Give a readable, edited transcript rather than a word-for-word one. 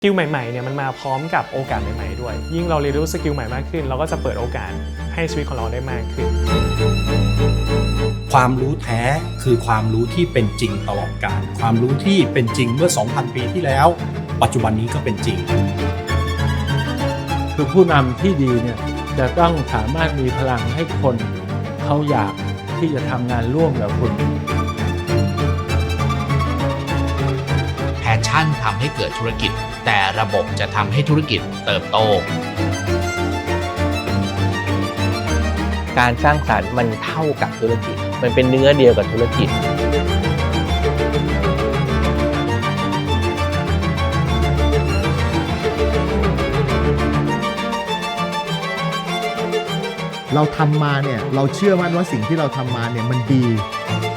สกิลใหม่ๆเนี่ยมันมาพร้อมกับโอกาสใหม่ๆด้วยยิ่งเราเรียนรู้สกิลใหม่มากขึ้นเราก็จะเปิดโอกาสให้ชีวิตของเราได้มากขึ้นความรู้แท้คือความรู้ที่เป็นจริงตลอดกาลความรู้ที่เป็นจริงเมื่อ 2,000 ปีที่แล้วปัจจุบันนี้ก็เป็นจริงคือผู้นำที่ดีเนี่ยจะต้องสามารถมีพลังให้คนเขาอยากที่จะทำงานร่วมกับคุณแพชชั่นทำให้เกิดธุรกิจแต่ระบบจะทำให้ธุรกิจเติบโตการสร้างสรรค์มันเท่ากับธุรกิจมันเป็นเนื้อเดียวกับธุรกิจเราทำมาเนี่ยเราเชื่อมั่นว่าสิ่งที่เราทำมาเนี่ยมันดี